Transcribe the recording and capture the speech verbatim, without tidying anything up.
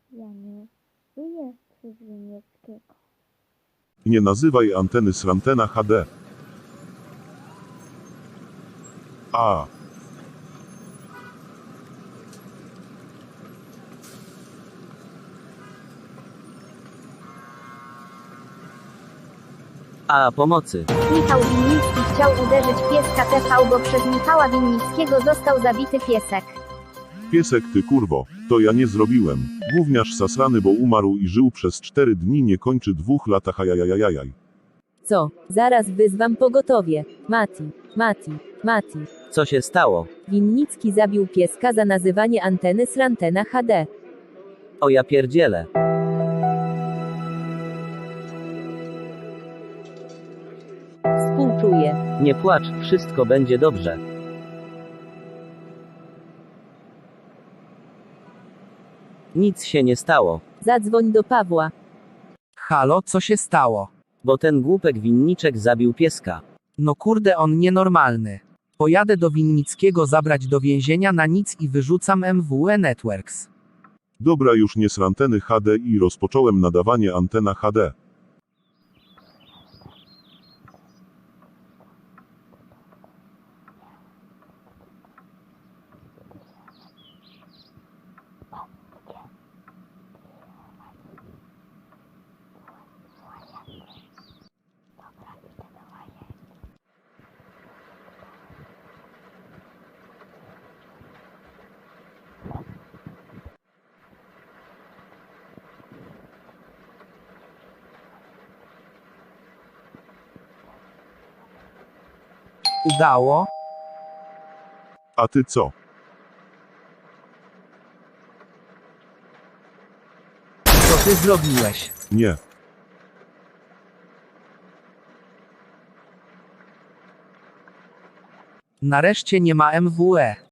Ja nie żyję przez Winnickiego. Nie nazywaj anteny srantena H D. A. A pomocy. Michał Winnicki chciał uderzyć pieska T V, bo przez Michała Winnickiego został zabity piesek. Piesek ty kurwo, to ja nie zrobiłem. Gówniarz sasrany, bo umarł i żył przez cztery dni, nie kończy dwóch latach, ajajajajaj. Co? Zaraz wyzwam pogotowie. Mati, Mati, Mati. Co się stało? Winnicki zabił pieska za nazywanie anteny srantena H D. O ja pierdzielę. Współczuję. Nie płacz, wszystko będzie dobrze. Nic się nie stało, Zadzwoń do Pawła. Halo, co się stało? bo ten głupek winniczek zabił pieska. No kurde, on nienormalny. Pojadę do Winnickiego zabrać do więzienia na nic i wyrzucam M W E Networks. Dobra, już nie sranteny H D i rozpocząłem nadawanie antena H D. Udało? A ty co? Co ty zrobiłeś? Nie. Nareszcie nie ma M W E.